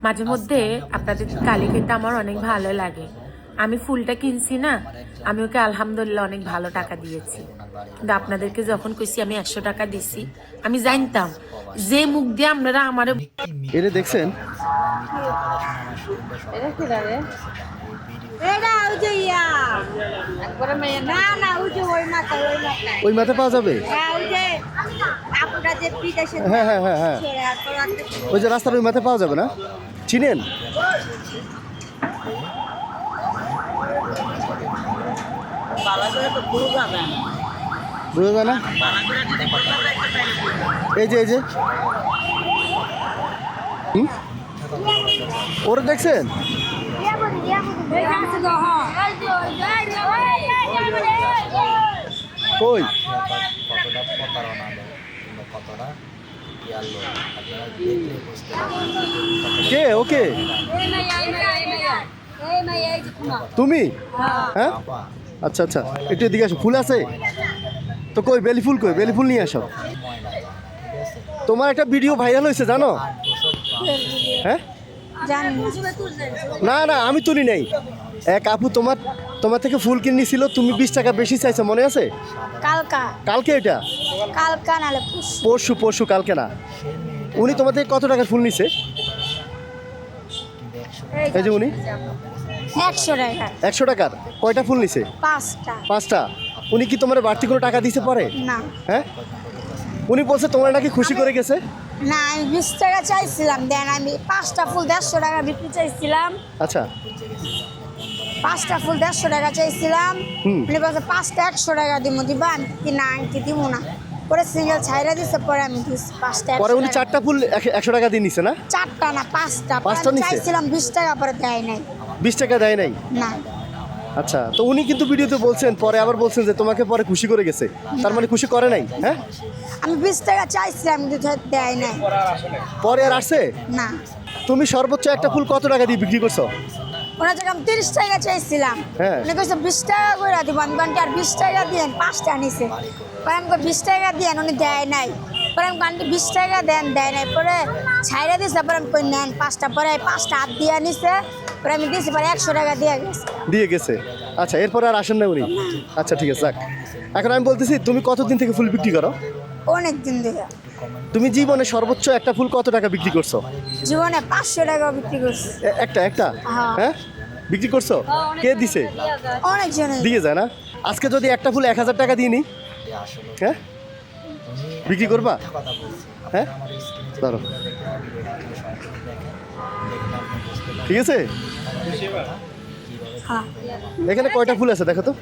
মাঝে মধ্যে আপনাদের কালি খেতে আমার অনেক ভালো লাগে। আমি ফুলটা কিনছি না, আমি ওকে আলহামদুলিল্লাহ অনেক ভালো টাকা দিয়েছি। কিন্তু আপনাদেরকে যখন কইছি আমি 100 টাকা দিছি, আমি জানতাম যে মুখ দিয়ে আপনারা আমার এটা দেখছেন ওই মাথা পাওয়া যাবে। হ্যাঁ হ্যাঁ হ্যাঁ হ্যাঁ ওই যে রাস্তার ওই মাথা পাওয়া যাবে না, চিনেন? বোঝা যায় না। এই যে ওরা দেখছেন কই কে ওকে তুমি? হ্যাঁ আচ্ছা আচ্ছা, একটু এদিকে আসো। ফুল আছে তো কই? বেলি ফুল কই? বেলি ফুল নিয়ে আসো। তোমার একটা ভিডিও ভাইরাল হয়েছে জানো? হ্যাঁ না না আমি তুলি নাই। এক আপু তোমার থেকে ফুল কিনেছিল, তুমি 20 টাকা বেশি চাইছো, মনে আছে? কালকে এটা পরশু কালকে না। উনি তোমার থেকে কত টাকার ফুল নিছে? এই যে উনি 100 টাকার কয়টা ফুল নিছে? 5টা। উনি কি তোমার বাড়তি কোনো টাকা দিতে পারে না? হ্যাঁ উনি বলছে তোমার নাকি খুশি করে গেছে। না, আমি 20 টাকা চাইছিলাম, দেন আমি 5টা ফুল 150 টাকা বিক্রি চাইছিলাম। আচ্ছা 5টা ফুল 150 টাকা চাইছিলাম। উনি বলছে 5টা 100 টাকা দিব, দিবা? আমি কি না, আমি কি দিব না। পরে সিঙ্গেল ছাইরা দিছে, পরে আমি দিছি 5টা। পরে উনি 4টা ফুল 100 টাকা দিয়ে নিছে না? 4টা না 5টা। পাঁচটা নিছে? চাইছিলাম 20 টাকা, পরে দেয় নাই। 20 টাকা দেয় নাই? না। আচ্ছা, তো উনি কিন্তু ভিডিওতে বলছেন, পরে আবার বলছেন যে তোমাকে পরে খুশি করে গেছে। তার মানে খুশি করে নাই? হ্যাঁ আমি 20 টাকা চাইছিলাম, কিন্তু দেয় নাই। পরে আর আসছে? না। তুমি সর্বোচ্চ একটা ফুল কত টাকা দিয়ে বিক্রি করছো? ওনার থেকে আমি 30 টাকা চাইছিলাম। হ্যাঁ। উনি কইছে 20 টাকা করে দিব। আমি বলছি আর 20 টাকা দিয়েন, 5টা নিছে। পরে আমি 20 টাকা দিয়েন, উনি দেয় নাই। পরে আমি বলছি 20 টাকা দেন, দেয় নাই। পরে ছাইরা দিছে, পরে আমি কই নেন 5টা। পরে 5টা হাত দিয়ে নিছে, পরে আমি দিছি, পরে 100 টাকা দিয়ে গেছে। আচ্ছা, এরপরে আর আসেন না উনি? আচ্ছা ঠিক আছে, যাক। এখন আমি বলতেছি, তুমি কতদিন থেকে ফুল বিক্রি করো? অনেক দিন ধরে। তুমি জীবনে সর্বোচ্চ একটা ফুল কত টাকা বিক্রি করছো? জীবনে 500 টাকা বিক্রি করছি। একটা হ্যাঁ। হ্যাঁ বিক্রি করছো? কে দিছে? অনেক জনে দিয়ে যায় না? আজকে যদি একটা ফুল 1000 টাকা দিয়ে নি, হ্যাঁ বিক্রি করবা? হ্যাঁ ধরো, ঠিক আছে। হ্যাঁ। এখানে কয়টা ফুল আছে দেখো তো?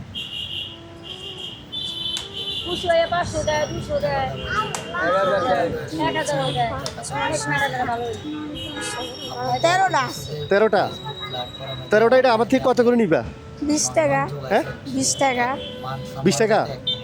13টা। এটা আমার থেকে কত করে নিবা? 20 টাকা। হ্যাঁ 20 টাকা। 20 টাকা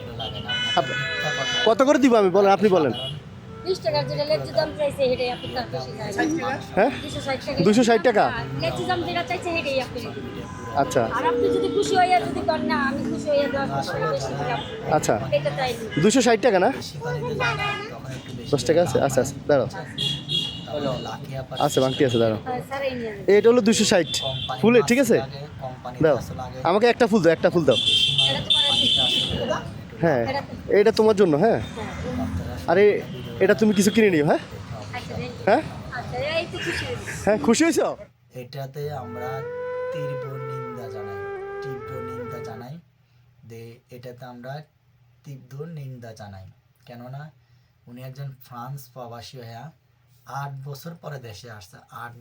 কত করে দিব আমি বলেন, আপনি বলেন। 20 টাকার যেটা লেচু দাম চাইছে সেটাই আপনি তার বেশি চাইছেন। হ্যাঁ 260 টাকা। 260 টাকা। লেচু দাম যেটা চাইছে সেটাই আপনি দিবেন। আচ্ছা আর আপনি যদি খুশি হইয়া যদি করেন না আমি খুশি হইয়া 10 টাকা বেশি দিলাম। আচ্ছা এটা চাইছি। 260 টাকা না? 10 টাকা আছে? আচ্ছা আচ্ছা দাঁড়াও, আচ্ছা বাংটি আছে, দাঁড়াও। স্যার এই নিয়ে যান। এটা হলো 260 ফুলে, ঠিক আছে। দাও আমাকে একটা ফুল দাও, একটা ফুল দাও। এটা তোমার হ্যাঁ এটা তোমার জন্য। হ্যাঁ আরে এটা তুমি কিছু কিনে নিও। হ্যাঁ আচ্ছা হ্যাঁ আচ্ছা এই তো খুশি হয়েছি। হ্যাঁ খুশি হয়েছো? এটাতে আমরা তীব্র নিন্দা জানাই এটাতে আমরা তীব্র নিন্দা জানাই। কেননা উনি একজন ফ্রান্স প্রবাসী হয়ে 8 বছর পরে দেশে আসছে। 8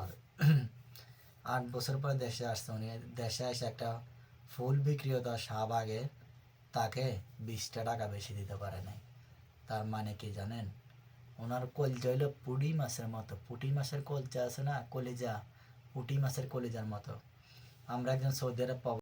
বছর পরে দেশে আসছে। উনি দেশে এসে একটা ফুল বিক্রিয়তা শাহবাগে তাকে 20 টাকা বেশি দিতে পারে নাই। তার মানে কি জানেন? ওনার কলজা হইলো পুঁটি মাছের মতো। পুঁটি মাছের কলজা আছে না, কলিজা, পুঁটি মাছের কলিজার মতো। আমরা একজন সৌদি আরব